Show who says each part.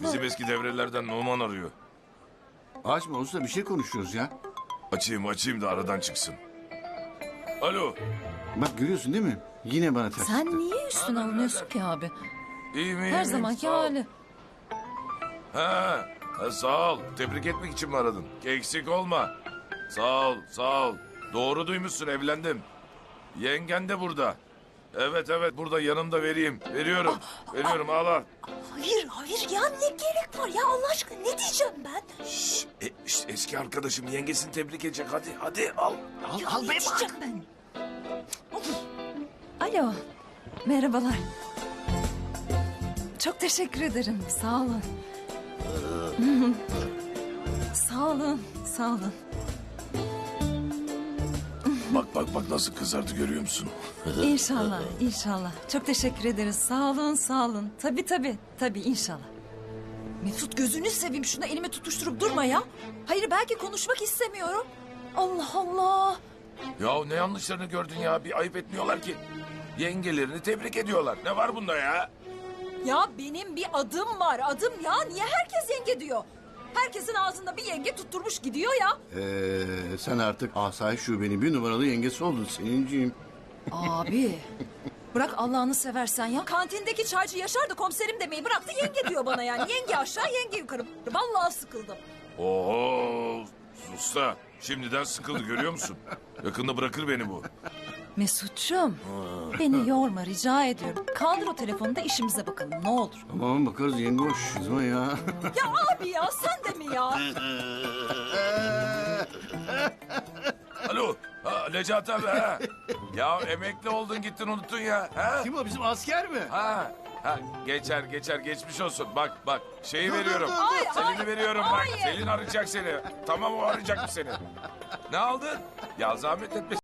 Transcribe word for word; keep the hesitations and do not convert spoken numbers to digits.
Speaker 1: Bizim eski devrelerden Numan arıyor.
Speaker 2: Açma usta, bir şey konuşuyoruz ya.
Speaker 1: Açayım açayım da aradan çıksın. Alo.
Speaker 2: Bak görüyorsun değil mi? Yine bana ters.
Speaker 3: Sen niye üstüne alınıyorsun ki abi?
Speaker 1: İyi mi? iyi
Speaker 3: Her
Speaker 1: mi?
Speaker 3: zamanki
Speaker 1: Sağ ol.
Speaker 3: hali.
Speaker 1: Ha, ha, sağ ol. Tebrik etmek için mi aradın? Eksik olma. Sağ ol, sağ ol. Doğru duymuşsun, evlendim. Yengen de burada. Evet evet, burada yanımda, vereyim. Veriyorum. Veriyorum, al al.
Speaker 4: Hayır hayır ya, ne gerek var ya, Allah aşkına ne diyeceğim ben?
Speaker 1: Şşş, e, işte eski arkadaşım yengesini tebrik edecek. Hadi hadi al. Al,
Speaker 4: Ya
Speaker 1: al
Speaker 4: ne
Speaker 1: be
Speaker 4: diyeceğim
Speaker 1: bak.
Speaker 4: ben?
Speaker 3: Alo. Merhabalar. Çok teşekkür ederim. Sağ olun. Sağ olun. Sağ olun.
Speaker 1: Bak bak bak nasıl kızardı, görüyor musun?
Speaker 3: İnşallah, inşallah. Çok teşekkür ederiz. Sağ olun, sağ olun. Tabii tabii, tabii inşallah. Mesut gözünü seveyim, şuna elimi tutuşturup durma ya. Hayır, belki konuşmak istemiyorum. Allah Allah.
Speaker 1: Ya ne yanlışlarını gördün ya, bir ayıp etmiyorlar ki. Yengelerini tebrik ediyorlar. Ne var bunda ya?
Speaker 3: Ya benim bir adım var, adım ya. Niye herkes yenge diyor? Herkesin ağzında bir yenge tutturmuş gidiyor ya.
Speaker 2: Ee, sen artık Asayiş Şube'nin bir numaralı yengesi oldun Selin'ciğim.
Speaker 3: Abi. Bırak Allah'ını seversen ya. Kantindeki çaycı Yaşar da komiserim demeyi bıraktı, yenge diyor bana yani. Yenge aşağı, yenge yukarı. Vallahi sıkıldım.
Speaker 1: Oho, usta. Şimdiden sıkıldı, görüyor musun? Yakında bırakır beni bu.
Speaker 3: Mesut'cum, beni yorma rica ediyorum. Kaldır o telefonu da işimize bakalım, ne olur.
Speaker 2: Tamam bakarız yenge, hoş. Kızma ya.
Speaker 3: Ya abi ya, sen de mi ya?
Speaker 1: Alo, ha, Necati abi ha. Ya emekli oldun gittin unuttun ya. Ha?
Speaker 2: Kim o, bizim asker mi?
Speaker 1: Ha, ha, geçer geçer, geçmiş olsun. Bak bak, şeyi
Speaker 2: Dur, dur,
Speaker 1: veriyorum.
Speaker 2: dur, dur.
Speaker 3: Ay,
Speaker 1: Selin'i
Speaker 3: ay,
Speaker 1: veriyorum bak.
Speaker 3: hayır.
Speaker 1: Selin arayacak seni. Tamam, o arayacak seni. Ne aldın? Ya zahmet etme.